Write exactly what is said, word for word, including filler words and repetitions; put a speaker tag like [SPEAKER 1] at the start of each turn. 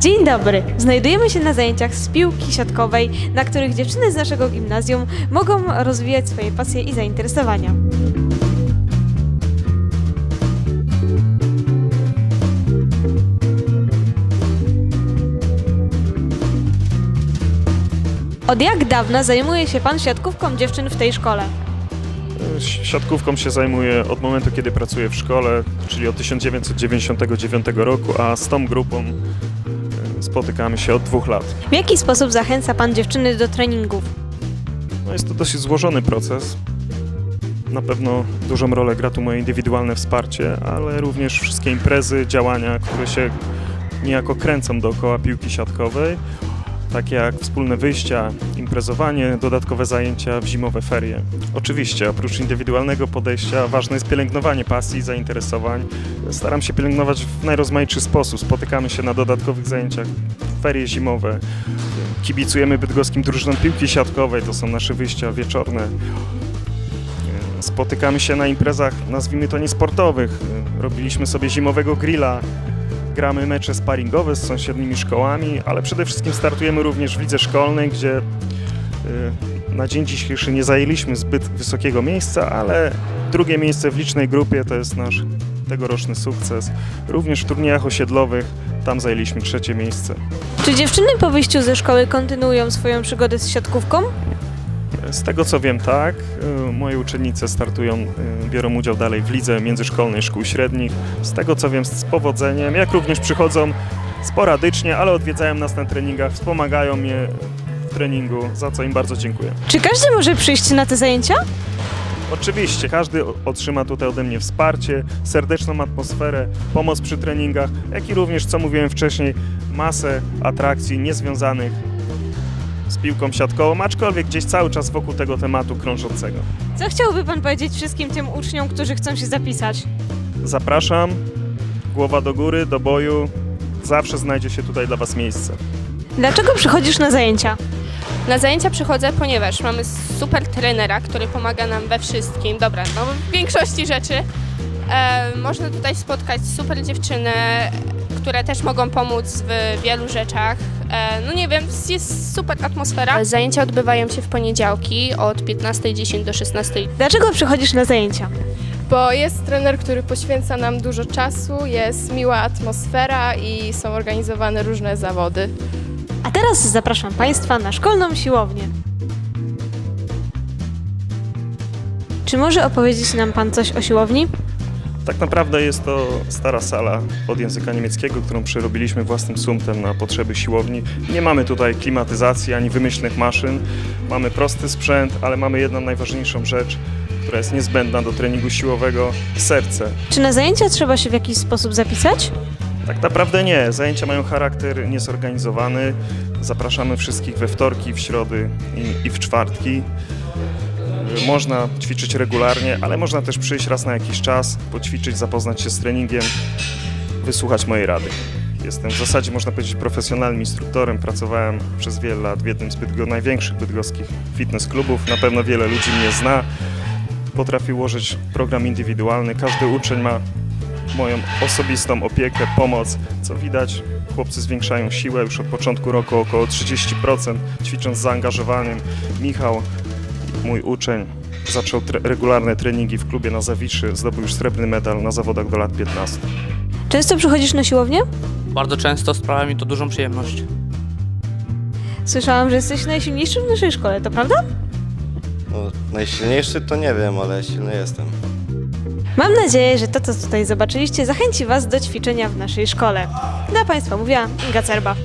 [SPEAKER 1] Dzień dobry! Znajdujemy się na zajęciach z piłki siatkowej, na których dziewczyny z naszego gimnazjum mogą rozwijać swoje pasje i zainteresowania. Od jak dawna zajmuje się Pan siatkówką dziewczyn w tej szkole?
[SPEAKER 2] Siatkówką się zajmuję od momentu, kiedy pracuję w szkole, czyli od tysiąc dziewięćset dziewięćdziesiątego dziewiątego roku, a z tą grupą spotykamy się od dwóch lat.
[SPEAKER 1] W jaki sposób zachęca Pan dziewczyny do treningów?
[SPEAKER 2] No jest to dosyć złożony proces. Na pewno dużą rolę gra tu moje indywidualne wsparcie, ale również wszystkie imprezy, działania, które się niejako kręcą dookoła piłki siatkowej, takie jak wspólne wyjścia, imprezowanie, dodatkowe zajęcia w zimowe ferie. Oczywiście, oprócz indywidualnego podejścia, ważne jest pielęgnowanie pasji i zainteresowań. Staram się pielęgnować w najrozmaitszy sposób. Spotykamy się na dodatkowych zajęciach w ferie zimowe. Kibicujemy bydgoskim drużynom piłki siatkowej, to są nasze wyjścia wieczorne. Spotykamy się na imprezach, nazwijmy to niesportowych. Robiliśmy sobie zimowego grilla. Gramy mecze sparingowe z sąsiednimi szkołami, ale przede wszystkim startujemy również w lidze szkolnej, gdzie na dzień dzisiejszy nie zajęliśmy zbyt wysokiego miejsca, ale drugie miejsce w licznej grupie to jest nasz tegoroczny sukces. Również w turniejach osiedlowych tam zajęliśmy trzecie miejsce.
[SPEAKER 1] Czy dziewczyny po wyjściu ze szkoły kontynuują swoją przygodę z siatkówką?
[SPEAKER 2] Z tego co wiem, tak. Moje uczennice startują, biorą udział dalej w lidze międzyszkolnej szkół średnich. Z tego co wiem, z powodzeniem, jak również przychodzą sporadycznie, ale odwiedzają nas na treningach, wspomagają mnie w treningu, za co im bardzo dziękuję.
[SPEAKER 1] Czy każdy może przyjść na te zajęcia?
[SPEAKER 2] Oczywiście, każdy otrzyma tutaj ode mnie wsparcie, serdeczną atmosferę, pomoc przy treningach, jak i również, co mówiłem wcześniej, masę atrakcji niezwiązanych z piłką siatkową, aczkolwiek gdzieś cały czas wokół tego tematu krążącego.
[SPEAKER 1] Co chciałby Pan powiedzieć wszystkim tym uczniom, którzy chcą się zapisać?
[SPEAKER 2] Zapraszam, głowa do góry, do boju, zawsze znajdzie się tutaj dla Was miejsce.
[SPEAKER 1] Dlaczego przychodzisz na zajęcia?
[SPEAKER 3] Na zajęcia przychodzę, ponieważ mamy super trenera, który pomaga nam we wszystkim. Dobra, no w większości rzeczy. E, można tutaj spotkać super dziewczyny, które też mogą pomóc w wielu rzeczach. E, no nie wiem, jest super atmosfera. Zajęcia odbywają się w poniedziałki od piętnastej dziesięć do szesnastej.
[SPEAKER 1] Dlaczego przychodzisz na zajęcia?
[SPEAKER 4] Bo jest trener, który poświęca nam dużo czasu, jest miła atmosfera i są organizowane różne zawody.
[SPEAKER 1] A teraz zapraszam Państwa na szkolną siłownię. Czy może opowiedzieć nam Pan coś o siłowni?
[SPEAKER 2] Tak naprawdę jest to stara sala od języka niemieckiego, którą przerobiliśmy własnym sumptem na potrzeby siłowni. Nie mamy tutaj klimatyzacji ani wymyślnych maszyn. Mamy prosty sprzęt, ale mamy jedną najważniejszą rzecz, która jest niezbędna do treningu siłowego – serce.
[SPEAKER 1] Czy na zajęcia trzeba się w jakiś sposób zapisać?
[SPEAKER 2] Tak naprawdę nie. Zajęcia mają charakter niezorganizowany. Zapraszamy wszystkich we wtorki, w środy i, i w czwartki. Można ćwiczyć regularnie, ale można też przyjść raz na jakiś czas, poćwiczyć, zapoznać się z treningiem, wysłuchać mojej rady. Jestem w zasadzie, można powiedzieć, profesjonalnym instruktorem. Pracowałem przez wiele lat w jednym z bydgo- największych bydgoskich fitness klubów. Na pewno wiele ludzi mnie zna. Potrafię ułożyć program indywidualny. Każdy uczeń ma moją osobistą opiekę, pomoc. Co widać, chłopcy zwiększają siłę już od początku roku około trzydzieści procent, ćwicząc z zaangażowaniem. Michał, mój uczeń, zaczął tre- regularne treningi w klubie na Zawiszy, zdobył już srebrny medal na zawodach do lat piętnastu.
[SPEAKER 1] Często przychodzisz na siłownię?
[SPEAKER 5] Bardzo często sprawia mi to dużą przyjemność.
[SPEAKER 1] Słyszałam, że jesteś najsilniejszy w naszej szkole, to prawda?
[SPEAKER 6] No, najsilniejszy to nie wiem, ale silny jestem.
[SPEAKER 1] Mam nadzieję, że to, co tutaj zobaczyliście, zachęci Was do ćwiczenia w naszej szkole. Dla Państwa mówiła Inga Cerba.